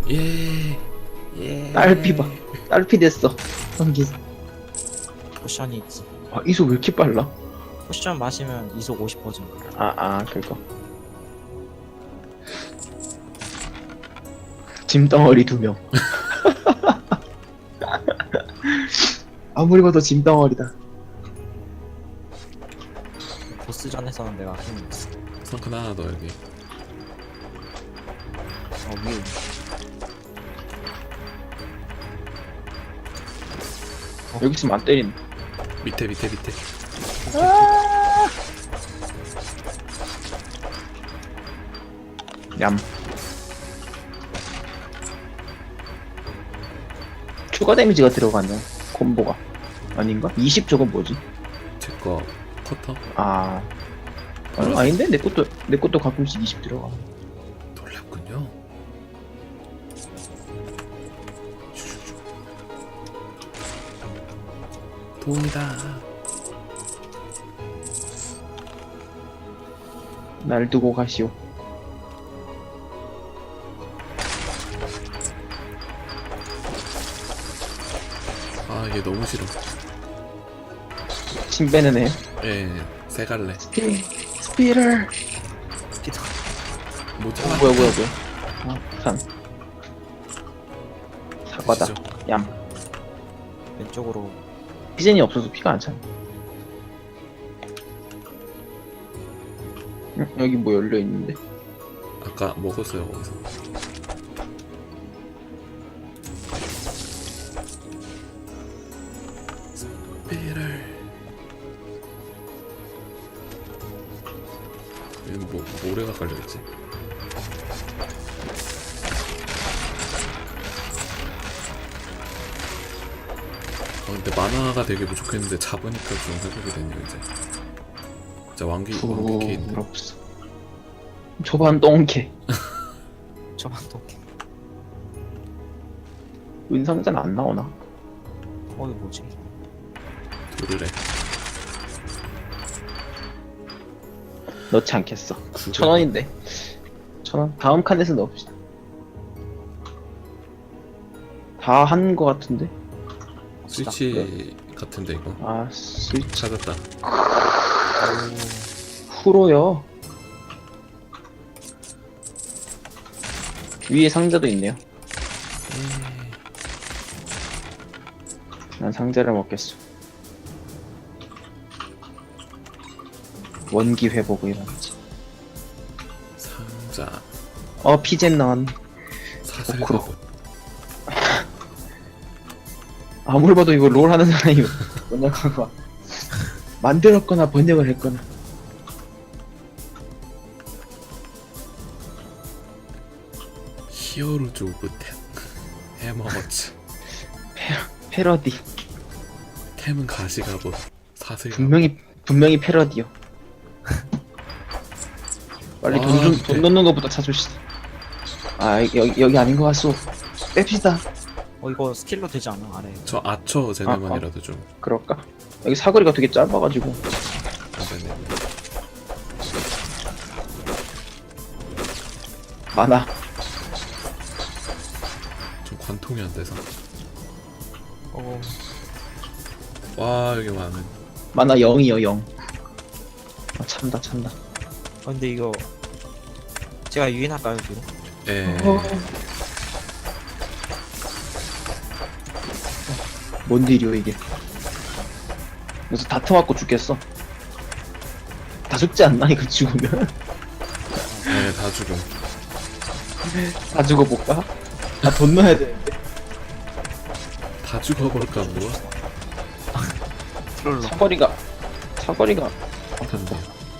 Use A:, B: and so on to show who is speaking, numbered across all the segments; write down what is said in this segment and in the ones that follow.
A: 예. 예.
B: 딸피 봐. 딸피 됐어. 성기.
C: 포션이 있지.
B: 아, 이속 왜 이렇게 빨라?
C: 포션 마시면 이속 50% 증가.
B: 그거. 짐덩어리 2명. 아무리 봐도 짐덩어리다.
C: 보스전에서는 내가 힘이 있어.
A: 성큰 하나 더 여기.
C: 위에 있네.
B: 여기 있으면 안 때린.
A: 밑에.
B: 얌. 추가 데미지가 들어가네. 콤보가. 아닌가? 20 저건 뭐지?
A: 제거 커터.
B: 아닌데? 내 것도 가끔씩 20 들어가.
A: 놀랍군요. 돈이다.
B: 날 두고 가시오.
A: 아 이게 너무 싫어.
B: 침 빼는 애.
A: 예. 세 갈래.
B: 스피럴.
C: 기도.
A: 못 참아.
B: 뭐야. 산. 사과다.
A: 드시죠.
B: 얌.
C: 왼쪽으로.
B: 피젠이 없어서 피가 안 차네. 여기 뭐 열려 있는데?
A: 아까 먹었어요 거기서. 스피럴. 얘는 뭐 모래가 깔려있지. 근데 만화가 되게 부족했는데 잡으니까 좀 회복이 되네요 이제. 진짜 왕기 케인.
B: 부럽소. 초반 똥개.
C: 저만 도끼.
B: 은상자는 안 나오나?
C: 이거 뭐지?
A: 도르래.
B: 넣지 않겠어.
A: 구글.
B: 1,000원인데. 1,000원? 다음 칸에서 넣읍시다. 다 한 거 같은데?
A: 스위치 같은데 이거.
B: 스위치.
A: 찾았다.
B: 후로요. 위에 상자도 있네요. 난 상자를 먹겠어. 원기 회복을 이런지.
A: 상자.
B: 피젠 나왔네.
A: 사슬가고.
B: 아무리 봐도 이거 롤 하는 사람이 번역하고 만들었거나 번역을 했거나.
A: 히어로즈 오브 템. 해머워치.
B: 패러디.
A: 템은 가시가고 사슬가고.
B: 분명히 패러디요. 빨리 돈 넣는 것부터 찾읍시다. 여기 아닌 것 같소. 뺍시다.
C: 이거 스킬로 되지 않아? 아래.
A: 저 아처 제네만이라도 좀.
B: 그럴까? 여기 사거리가 되게 짧아가지고.
A: 안되네.
B: 많아.
A: 좀 관통이 안 돼서. 와 여기 많은.
B: 많아 0이요 0. 찬다.
C: 근데 이거 제가 유인할까요 뒤로?
A: 예.
B: 뭔 딜이요 이게? 그래서 다트맞고 죽겠어. 다 죽지 않나 이거 죽으면?
A: 네, 다 죽음.
B: 다 죽어볼까? 돈 넣어야 되는데.
A: 다 죽어볼까 뭐?
C: 트롤로.
B: 사거리가
A: 한데.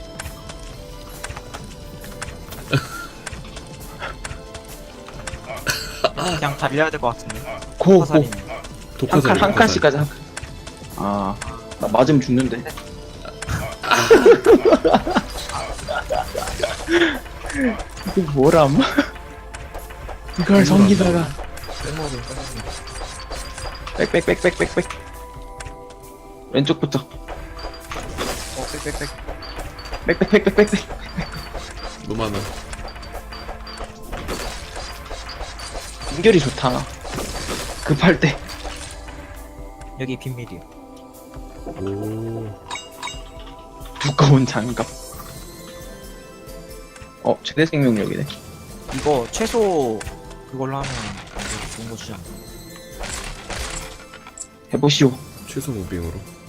C: 그냥 달려야 될 것 같은데.
B: 고
C: 화살이.
A: 독화살.
B: 한 칸씩까지 한 칸. 나 맞으면 죽는데. 이거 뭐람? 이걸 성기다가 빽빽 왼쪽부터 빽빽
A: 너무 많아.
B: 연결이 좋다. 급할 때.
C: 여기 비밀이요.
A: 오.
B: 두꺼운 장갑. 최대 생명력이네.
C: 이거 최소 그걸로 하면 되게 좋은 거 주지 않나?
B: 해보시오.
A: 최소 무빙으로.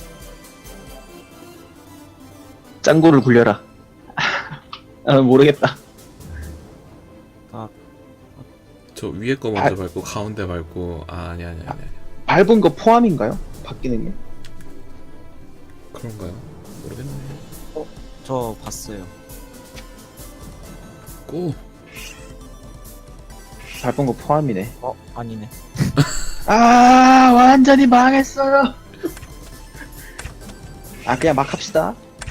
B: 짱구를 굴려라. 모르겠다.
A: 저 위에 거 먼저 밟고 가운데 밟고 아니야.
B: 밟은 거 포함인가요? 바뀌는 게?
A: 그런가요? 모르겠네.
C: 저 봤어요.
A: 고.
B: 밟은 거 포함이네.
C: 아니네.
B: 아, 완전히 망했어요. 그냥 막 합시다.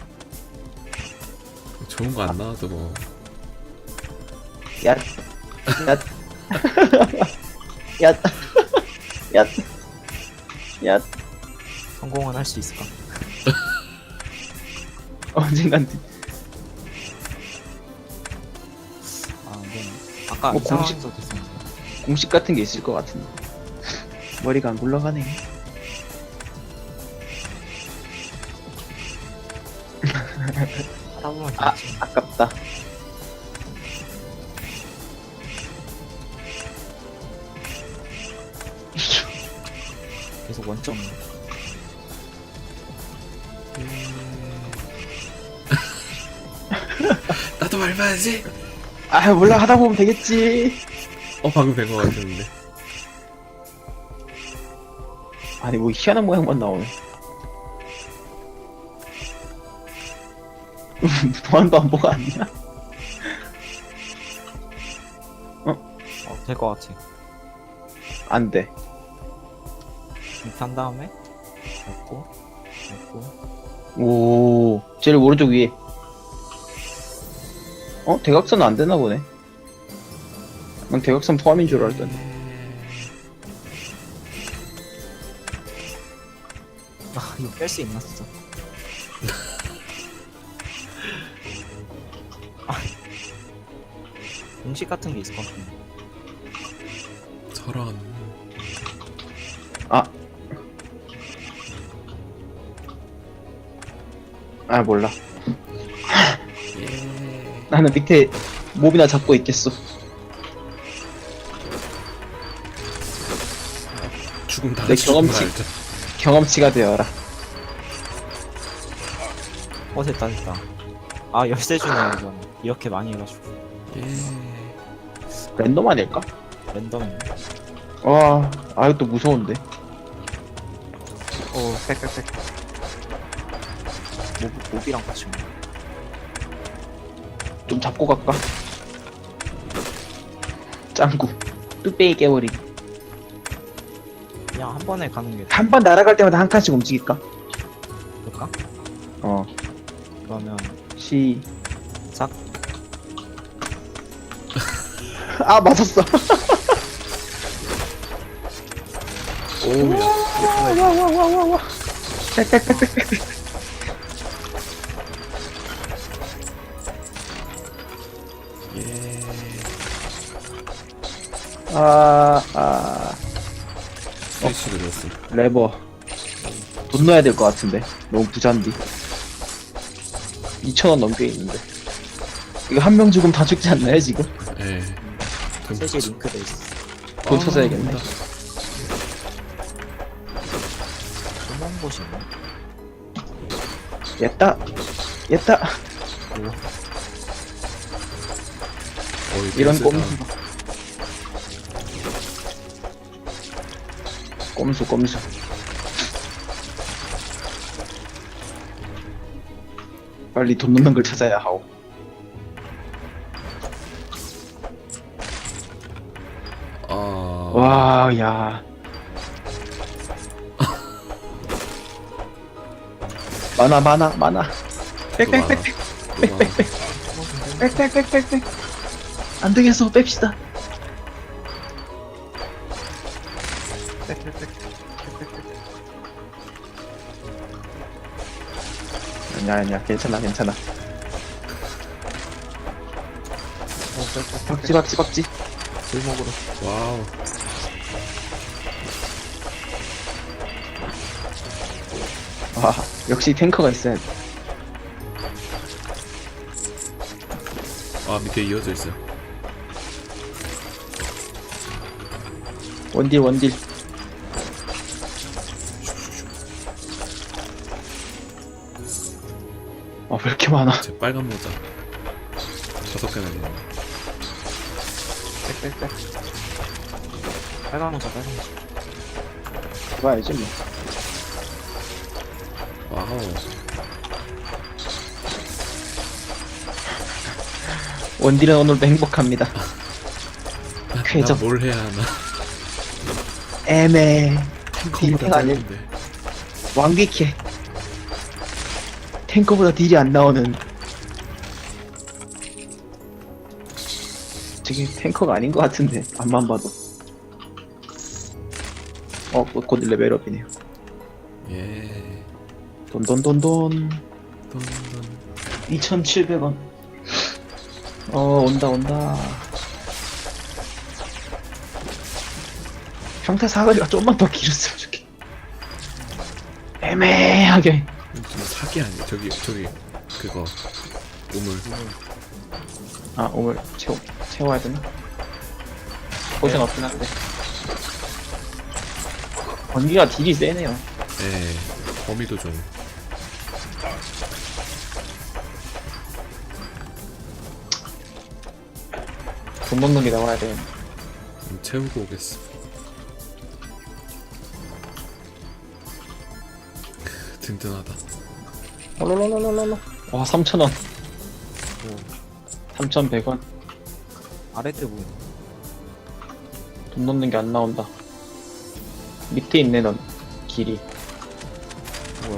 A: 좋은 거 안 나와도 뭐.
B: 야, 야, 야, 야.
C: 성공은 할 수 있을까?
B: 언젠간
C: 안 되네. 아까
B: 뭐
C: 이 상황에서 됐었는데.
B: 공식 같은 게 있을 것 같은데. 머리가 안 굴러가네.
C: 하다 보면 되지.
B: 아깝다.
C: 계속 원점.
A: 나도 밟아야지.
B: 몰라, 하다 보면 되겠지.
A: 방금 된 거 같았는데.
B: 아니, 뭐 희한한 모양만 나오네. 도안도 안 보고 아니야?
C: 될 것 같아.
B: 안 돼.
C: 이렇게 한 다음에 먹고
B: 오, 제일 오른쪽 위에. 대각선은 안 되나 보네. 난 대각선 포함인 줄 알았더니.
C: 이거 뺄 수 있나 진짜? 공식 같은 게 있을 것 같은데.
A: 저런.
B: 몰라. 나는 밑에 몹이나 잡고 있겠어.
A: 죽음 다
B: 내
A: 같이 죽음을
B: 경험치.
A: 알죠.
B: 경험치가 되어라.
C: 됐다. 열쇠 주네 이건. 이렇게 많이 해가지고
B: 랜덤 아닐까?
C: 랜덤인데.
B: 와, 이것도 무서운데.
C: 빽빽빽. 몹이랑 같이 오네.
B: 좀 잡고 갈까? 짱구. 뚝배기 깨버리기.
C: 그냥 한 번에 가는 게
B: 한 번 날아갈 때마다 한 칸씩 움직일까?
C: 될까? 그러면
B: 시작.
C: 싹.
B: 맞았어.
A: 오야.
B: 와. 빽빽빽빽빽.
A: 스위치 눌렀음.
B: 레버. 돈 넣어야 될 것 같은데. 너무 부잔디. 2,000원 넘게 있는데. 이거 한 명 죽으면 다 죽지 않나요, 지금?
A: 예.
C: 세제 링크돼 있어.
B: 돈 찾아야겠네.
A: 온다.
C: 조만 곳이 있나?
B: 였다. 이런 꼼수. 빨리 돈 넣는 걸 찾아야 하오. 와, 야. 많아. 빽빽빽. 안 되겠어, 뺍시다. 아니야, 괜찮아. 박지.
C: 골목으로.
A: 와우.
B: 아 역시 탱커가 있어야 돼.
A: 아 밑에 이어져 있어요.
B: 원딜 원딜. 아 왜 이렇게 많아?
A: 제 빨간 모자 5개나 있네.
C: 빽빽빽. 빨간 모자, 빨간 모자.
B: 봐야지 뭐.
A: 와우.
B: 원딜은 오늘도 행복합니다. 쾌적.
A: 나뭘 해야 하나.
B: 애매해.
A: 탱커보다
B: 딜탱 아니야?
A: 짧은데.
B: 완벽해. 탱커보다 딜이 안 나오는. 저게 탱커가 아닌 것 같은데 앞만 봐도. 곧 레벨업이네요.
A: 예.
B: 돈돈돈돈.
A: 돈.
B: 2,700원. 온다. 평타 사거리가 좀만 더 길었으면 좋겠다. 애매하게.
A: 좀 사기 아니야? 저기 그거 우물.
B: 아, 오늘 채워야 되나? 포션 없긴 한데. 번기가 딜이 세네요.
A: 예. 범위도 좀.
B: 돈 먹는 게 나와야 돼.
A: 채우고 오겠어. 든든하다.
B: 롤롤롤롤롤. 와, 3,000원. 3,100원.
C: 아래 때 보이네.
B: 돈 넣는 게 안 나온다. 밑에 있네, 넌. 길이.
C: 뭐야.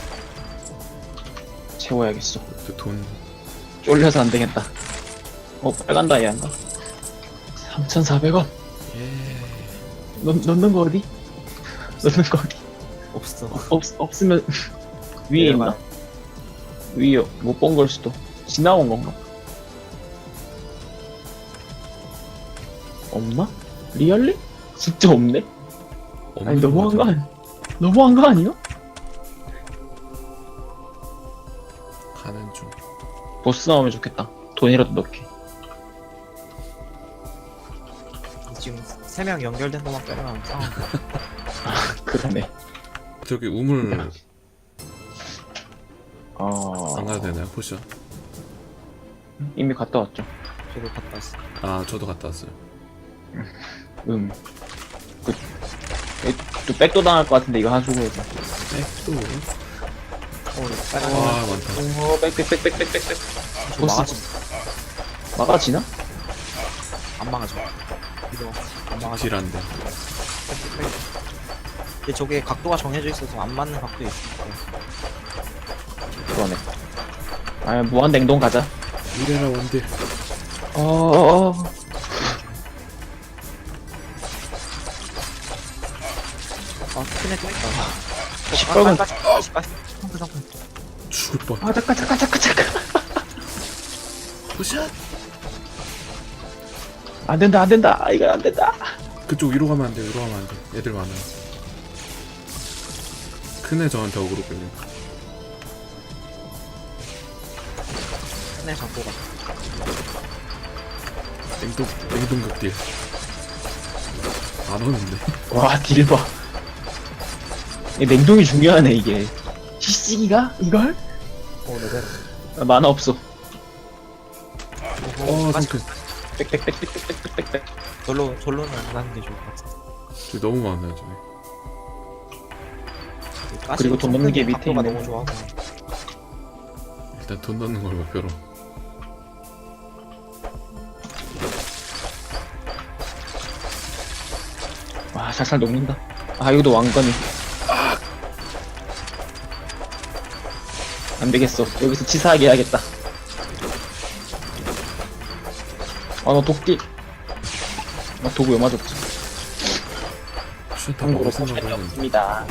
B: 채워야겠어.
A: 그 돈.
B: 쫄려서 안 되겠다. 빨간 다이아인가? 3,400원.
A: 예.
B: 넣는 거 어디? 넣는 거 어디?
C: 없어.
B: 없으면 위에 있나? 위에 못 본 걸 수도. 지나온 건가? 없나? 리얼리? 진짜 없네? 아니
A: 없는
B: 너무한 거
A: 거죠.
B: 아니? 너무한 거 아니야?
A: 가는 중.
B: 보스 나오면 좋겠다. 돈이라도 넣게.
C: 지금 3명 연결된 것만 빼면 상황.
B: 그러네.
A: 저기 우물
B: 아
A: 안 가도 되나요? 포션?
B: 이미 갔다 왔죠.
C: 저도 갔다 왔어.
A: 아 저도 갔다 왔어요.
B: 그, 또 백도 당할 것 같은데 이거 하수구 해서.
A: 백도.
C: 빨간
A: 와 많다.
B: 백백백백백백백.
C: 저 막아지.
B: 막아지나?
C: 안 막아져. 이거 안 막아져.
A: 딜한데.
C: 근데 저게 각도가 정해져 있어서 안 맞는 각도에 있어.
B: 그러네. 아 무한 냉동 가자.
A: 이래라 원딜.
C: 아, 큰애 또 있다.
B: 시뻘건.
C: 잠깐.
A: 죽을 뻔.
B: 아 잠깐.
A: 포션.
B: 안 된다. 이거 안 된다.
A: 그쪽 위로 가면 안 돼. 위로 가면 안 돼. 애들 많아. 큰애 저한테 어그로 끌려.
C: 큰애 잡고 가.
A: 냉동극 딜. 안 오는데.
B: 와, 딜 봐. 이 냉동이 중요하네, 이게. 시시기가? 이걸?
C: 레벨.
B: 아, 만화 없어.
A: 성큰.
B: 빽빽빽빽빽빽빽.
C: 절로는 안 가는 게 좋을 것 같아.
A: 저기 너무 많아요 저기.
B: 그리고 돈 넣는 게 밑에
C: 각도가
B: 있네.
C: 너무 좋아서.
A: 일단 돈 넣는 걸 목표로.
B: 와, 살살 녹는다. 아, 이것도 왕건이. 안 되겠어. 여기서 치사하게 해야겠다. 아, 나 독딜. 나 도구 왜 맞았지?
A: 포션 다
B: 참고로
A: 먹을 생각을
B: 포션이
A: 했는데.
B: 없습니다.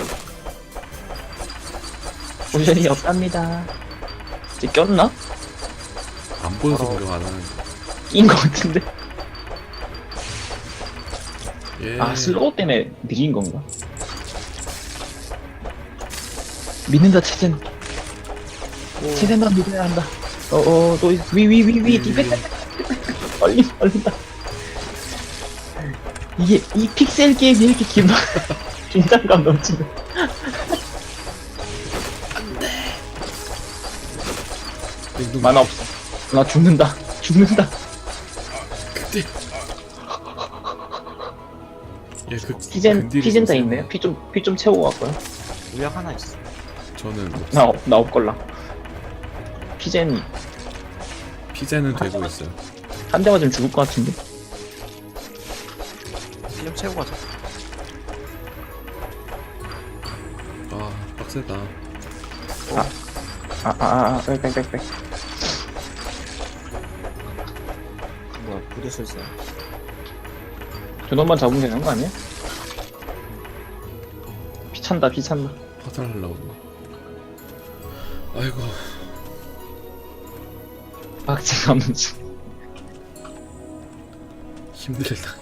B: 포션이 없답니다. 이제 꼈나?
A: 안 보여서 공격 안 하는데.
B: 낀 것 같은데?
A: 예.
B: 아 슬로우 때문에 느린 건가? 믿는다 체젠. 체젠 난 믿어야 한다. 또 위 디펜스. 얼린다. 이게 이 픽셀 게임이 이렇게 긴장감 넘치는.
A: 냉동
B: 만화 없어. 나 죽는다.
A: 그때 얘그
B: 피젠 다 있네요. 피 좀 채우고 갈거야.
C: 물약 하나 있어.
A: 저는
B: 나 없걸라. 피젠
A: 피제는 되고 있어요.
B: 한 대 맞으면 죽을 것 같은데.
C: 피 좀 채우고 가자.
A: 아 빡세다.
B: 빽.
C: 뭐야 부두술사야.
B: 저놈만 잡으면 되는 거 아니야? 피 찬다.
A: 화살하려고. 아이고
B: 박지가 없는 중.
A: 힘들다.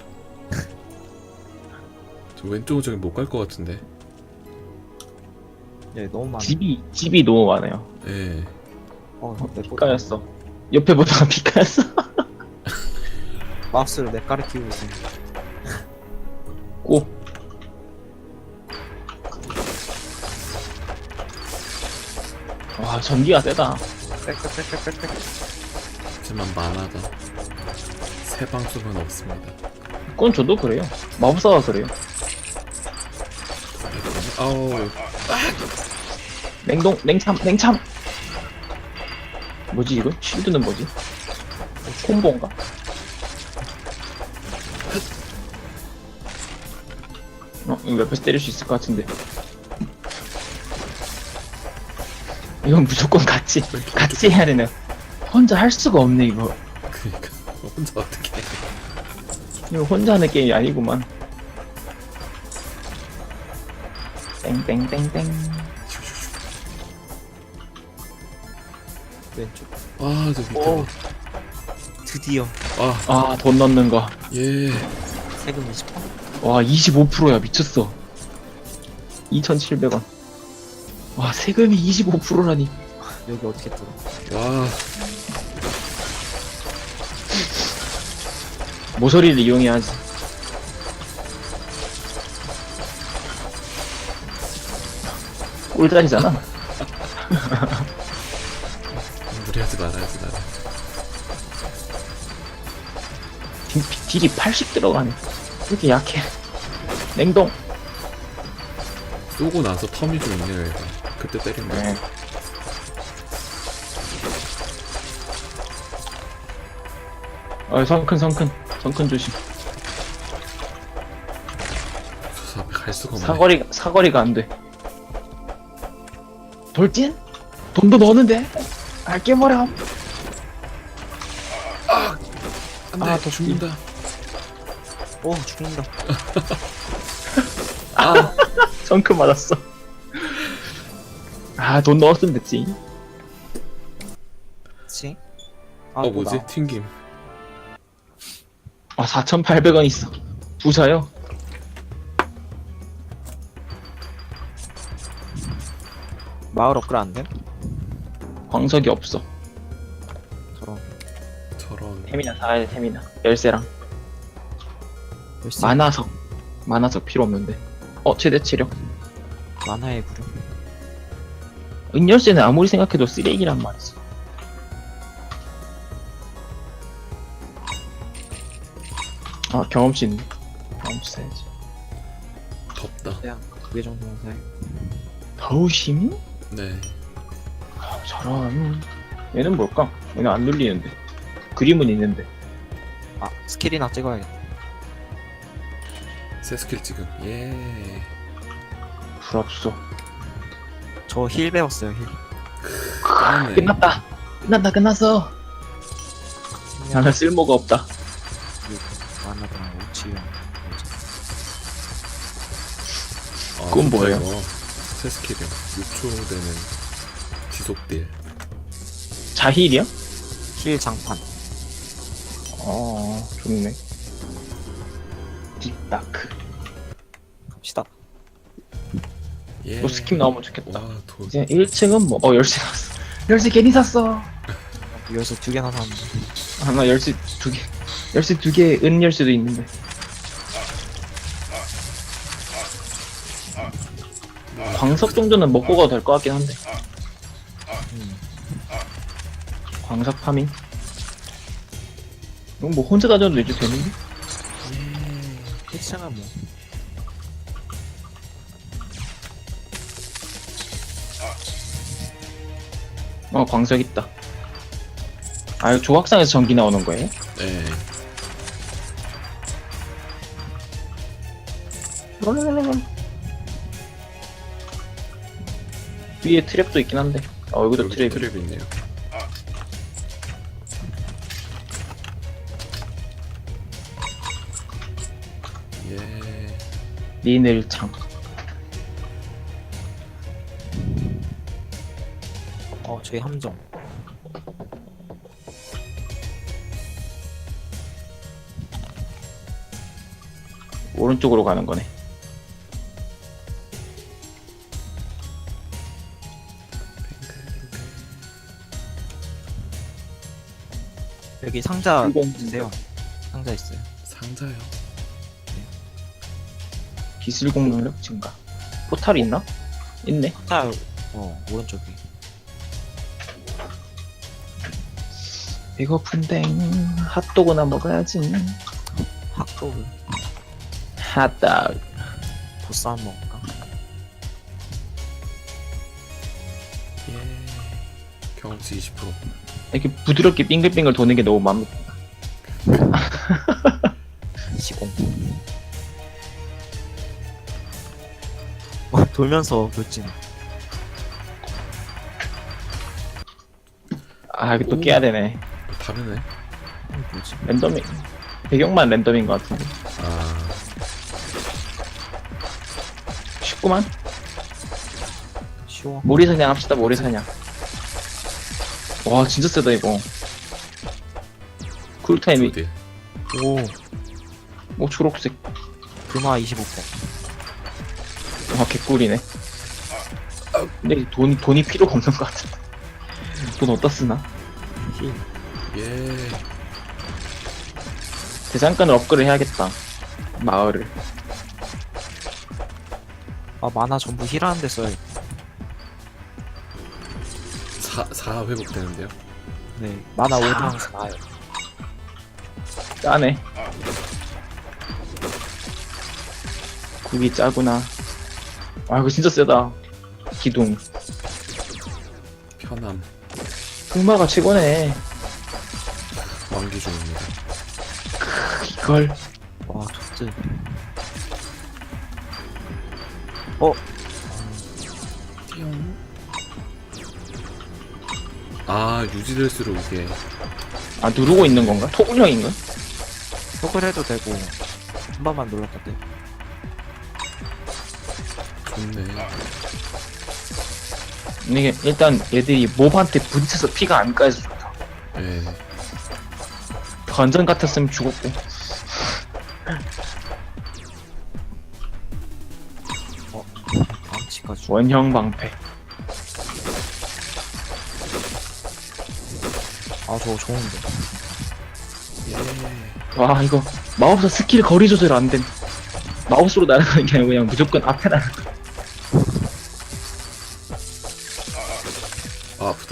A: 저 왼쪽은 저기 못 갈 것 같은데.
C: 얘 너무 많아.
B: 집이 너무 많아요.
A: 예.
C: 내
B: 피카였어. 옆에 보다가 피카였어.
C: 마우스를 내 까를 키우고 있어.
B: 고. 와 전기가 세다.
C: 빽빽빽빽빽.
A: 하지만 만화다. 새 방송은 없습니다.
B: 그건 저도 그래요. 마법사가 그래요.
A: 아우
B: 냉참. 뭐지 이거? 쉴드는 뭐지? 콤보인가? 이거 옆에서 때릴 수 있을 것 같은데. 이건 무조건 같이 해야 되네. 혼자 할 수가 없네 이거.
A: 그니까 혼자 어떻게 해.
B: 이거 혼자 하는 게임이 아니구만. 땡땡땡땡.
C: 왼쪽.
A: 아저 밑에
C: 오. 드디어
B: 돈 넣는 거.
A: 예.
C: 세금 20%?
B: 와 25%야 미쳤어. 2,700원. 와 세금이 25%라니.
C: 여기 어떻게 뚫어?
A: 와
B: 모서리를 이용해야지. 꿀자리잖아.
A: 무리하지 말아야지 나는.
B: 딜이 80 들어가네. 이렇게 약해. 냉동.
A: 쏘고 나서 텀이 좀 있네요 얘가. 그때 때린 거.
B: 네. 성큰 조심.
A: 저 앞에 갈 수가 없네.
B: 사거리가 안 돼. 돌진? 돈도 넣었는데? 깨버려.
A: 안돼
B: 더
A: 죽는다.
C: 오 죽는다.
B: 성큰 맞았어. 돈 넣었으면 됐지.
C: 그치?
A: 뭐지? 튕김.
B: 4,800원 있어. 부자요?
C: 마을 업글 안 돼?
B: 광석이 없어.
A: 저런.
B: 태미나 사야 돼, 태미나. 열쇠랑.
C: 열쇠.
B: 만화석 필요 없는데. 최대 체력.
C: 만화의 구름.
B: 은열쇠는 아무리 생각해도 쓰레기란 말이지. 경험치 있네. 경험치 사야지.
A: 덥다.
C: 그냥 두개 정도만 사야.
B: 더우심이?
A: 네.
B: 저런. 얘는 뭘까? 얘는 안 눌리는데. 그림은 있는데.
C: 스킬이나 찍어야겠다.
A: 새 스킬 지금. 예.
B: 부럽소.
C: 저 힐 배웠어요 힐.
A: 까네.
B: 끝났어. 나는 쓸모가 없다.
C: 만화랑 오치형.
B: 그건 뭐예요?
A: 이거. 새 스킬이요. 6초 되는 지속딜.
B: 자힐이야?
C: 힐 장판.
B: 좋네. 딥다크.
C: 갑시다.
A: 예.
B: 또 스킵 나오면 좋겠다.
A: 와, 도
B: 이제 1층은 뭐, 열쇠 샀어. 열쇠 괜히 샀어.
C: 열쇠 2개나 샀는데.
B: 아, 나 열쇠 2개. 열쇠 2개, 은 열쇠도 있는데. 광석 정도는 먹고 가도 될 것 같긴 한데. 광석 파밍? 이건 뭐 혼자 다녀도 이제 되는데?
C: 1층은 뭐.
B: 광석 있다. 아, 이거 조각상에서 전기 나오는 거예요?
A: 네.
B: 위에 트랩도 있긴 한데. 여기도
A: 여기
B: 트랩이.
A: 트랩이 있네요. 예.
B: 리넬창.
C: 저희 함정.
B: 오른쪽으로 가는 거네.
C: 여기 상자
B: 이건
C: 있는데요. 상자 있어요.
A: 상자요.
B: 기술 공격력 증가. 포탈이 있나? 있네.
C: 상자, 오른쪽에.
B: 배고픈데 핫도그나 먹어야지.
C: 핫도그.
B: 핫도그.
C: 보스 한번 먹을까?
A: 예. 경험치 20%.
B: 이렇게 부드럽게 빙글빙글 도는 게 너무 마음에 들어.
C: 시공. 돌면서 돌진.
B: 아, 이거 또
A: 오.
B: 깨야 되네.
A: 다르네.
C: 뭐지?
B: 랜덤이. 배경만 랜덤인 것 같은데.
A: 아,
B: 쉽구만.
C: 쉬워.
B: 모리사냥 합시다, 모리사냥. 와, 진짜 세다, 이거. 쿨타임이,
A: 어디?
C: 오,
B: 초록색.
C: 금화 25%.
B: 와, 개꿀이네. 근데 돈이 필요가 없는 것 같은데. 돈 어디다 쓰나?
C: 힐.
A: 예.
B: 대장간을 업그레이드 해야겠다. 마을을.
C: 만화 전부 힐하는 데 써요.
A: 4 회복되는데요.
C: 네. 만화 5당 4요.
B: 짜네. 국이 짜구나. 아, 이거 진짜 세다. 기둥.
A: 편함.
B: 흑마가 최고네.
A: 왕기 중입니다.
B: 이걸.
C: 와, 토트.
A: 띠용. 아, 유지될수록 이게
B: 아, 누르고 있는 건가? 토굴형인가?
C: 속을 해도 되고, 한 번만 눌렀다 돼.
A: 좋네.
B: 이게, 일단 얘들이 몹한테 부딪혀서 피가 안 까여서 좋다.
A: 예.
B: 건전 같았으면 죽었고.
C: 방치까지.
B: 원형 방패.
C: 저거 좋은데.
A: 예.
B: 와, 이거 마법사 스킬 거리 조절 안 됨. 마우스로 날아가는 게 아니고 그냥 무조건 앞에 날아가.
A: 아, 아프다.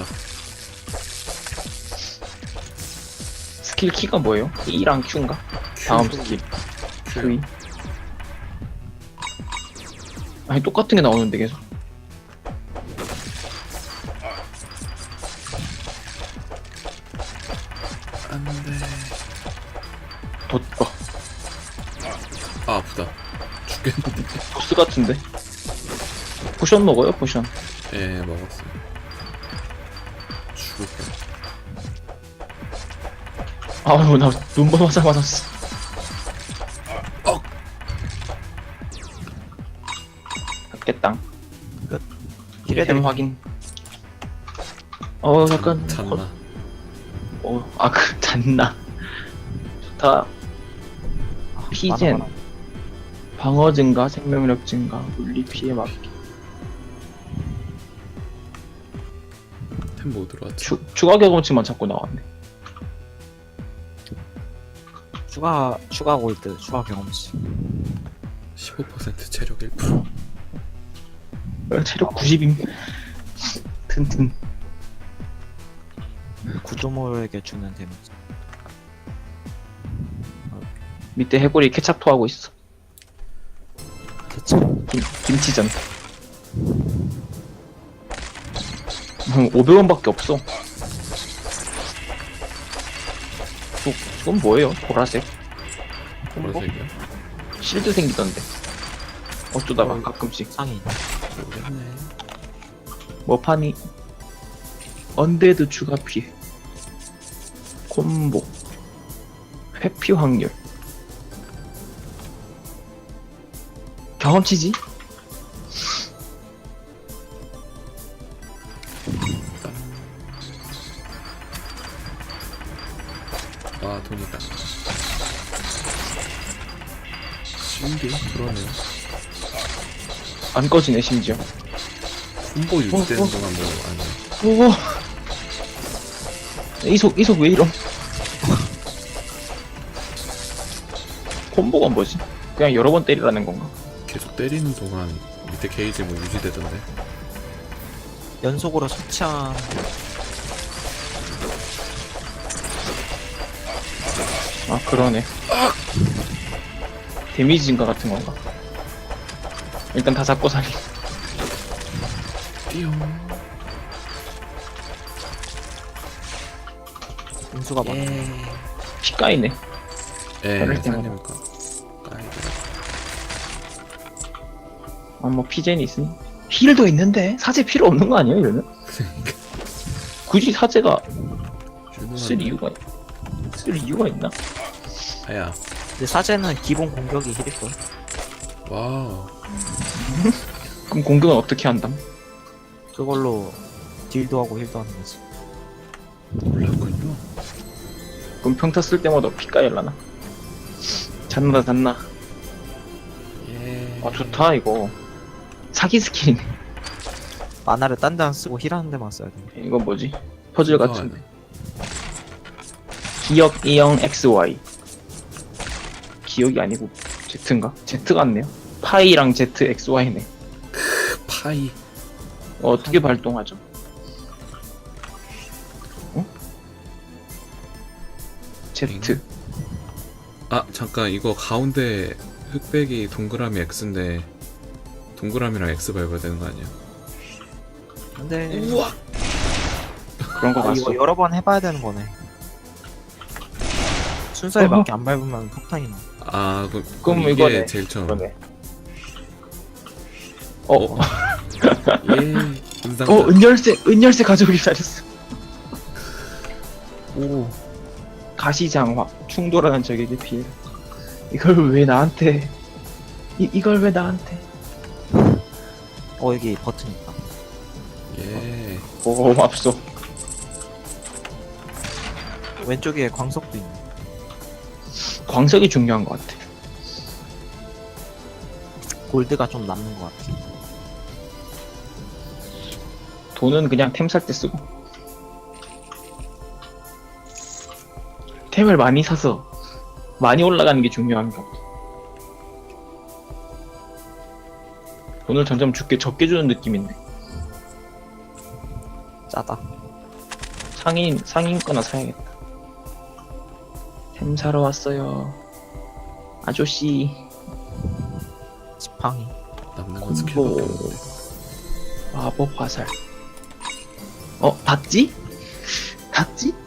B: 스킬 키가 뭐예요? E랑 Q인가? 다음 스킬. Q. 아니, 똑같은 게 나오는데 계속.
A: 안 돼.
B: 덧거.
A: 아, 아프다. 죽겠는데.
B: 보스 같은데? 포션 먹어요, 포션.
A: 예, 먹었어요. 죽을 뻔.
B: 아유, 나 눈번 화살 맞았어. 깼당.
C: 힐해드릴
B: 템 확인. 약간.
A: 잤나?
B: 잤나. 좋다. 피젠. 방어 증가, 생명력 증가, 물리 피해 막기.
A: 템 뭐 들어왔지?
B: 추가 경험치만 자꾸 나왔네.
C: 추가 골드, 추가 경험치.
A: 15% 체력 1%.
B: 체력 90임. 튼튼.
C: 구조물에게 주는 데미지.
B: 밑에 해골이 케찹 토하고 있어.
C: 대체
B: 김치전. 500원밖에 없어. 그건 뭐예요? 보라색?
A: 보라색이야?
B: 실드 생기던데. 어쩌다가 가끔씩.
C: 상이.
A: 모르겠네.
B: 뭐 파니? 언데드 추가 피해. 콤보. 회피 확률. 경험치지?
A: 아, 돈이다. 신기? 그러네.
B: 안 꺼지네 심지어.
A: 콤보 유지되는
B: 어.
A: 동안 뭐, 아니.
B: 오. 이속 왜 이럼? 콤보가 뭐지? 그냥 여러 번 때리라는 건가?
A: 계속 때리는 동안 밑에 게이지 뭐 유지되던데.
C: 연속으로 처치한
B: 아 그러네. 데미지 증가 같은 건가? 일단 다 잡고 살이.
A: 띠용.
C: 인수가 많아.
B: 피 까이네.
A: 예,
B: 그럴 때마다.
A: 살리니까. 까이더라.
B: 아 뭐 피젠이 있으니. 힐도 있는데 사제 필요 없는 거 아니에요 이러면? 굳이 사제가 쓸 이유가 있나?
A: 아야.
C: 근데 사제는 기본 공격이 힐일걸.
A: 와우.
B: 그럼 공격은 어떻게 한담?
C: 그걸로 딜도 하고 힐도 하는 거지.
A: 몰랐군요.
B: 그럼 평타 쓸 때마다 피 까일라나? 잤나?
A: 예.
B: 아 좋다 이거. 사기 스킬이네.
C: 만화를 딴 데 안 쓰고 힐하는 데만 써야 돼.
B: 이건 뭐지? 퍼즐 같은데. 기억 E형 XY. 기억이 아니고 Z인가? Z 같네요. 파이랑 Z XY네.
A: 파이.
B: 어떻게 발동하죠? 어? Z.
A: 아, 잠깐. 이거 가운데 흑백이 동그라미 X인데 동그라미랑 X 밟아야 되는 거 아니야?
C: 근데
A: 우와.
B: 그런 거 봤어.
C: 이거 여러 번 해봐야 되는 거네. 순서에 맞게 안 밟으면 폭탄이 나.
A: 아,
B: 그럼
A: 이게
B: 이거네.
A: 제일 처음.
B: 그러네.
A: 예. 은상자.
B: 은열쇠 가져오길 잘했어. 오. 가시장화. 충돌하는 적에게 피해. 이걸 왜 나한테. 이걸 왜 나한테.
C: 여기 버튼 있다.
A: 예.
B: 오, 맙소.
C: 왼쪽에 광석도 있네.
B: 광석이 중요한 것 같아.
C: 골드가 좀 남는 것 같아.
B: 돈은 그냥 템 살 때 쓰고. 템을 많이 사서 많이 올라가는 게 중요한 거. 돈을 점점 적게 주는 느낌인데.
C: 짜다.
B: 상인 거나 사야겠다. 템 사러 왔어요. 아저씨.
C: 지팡이.
A: 남는 건 스킬밖에
B: 콤보.
A: 없는데.
B: 마법 화살. 닿지? 닿지?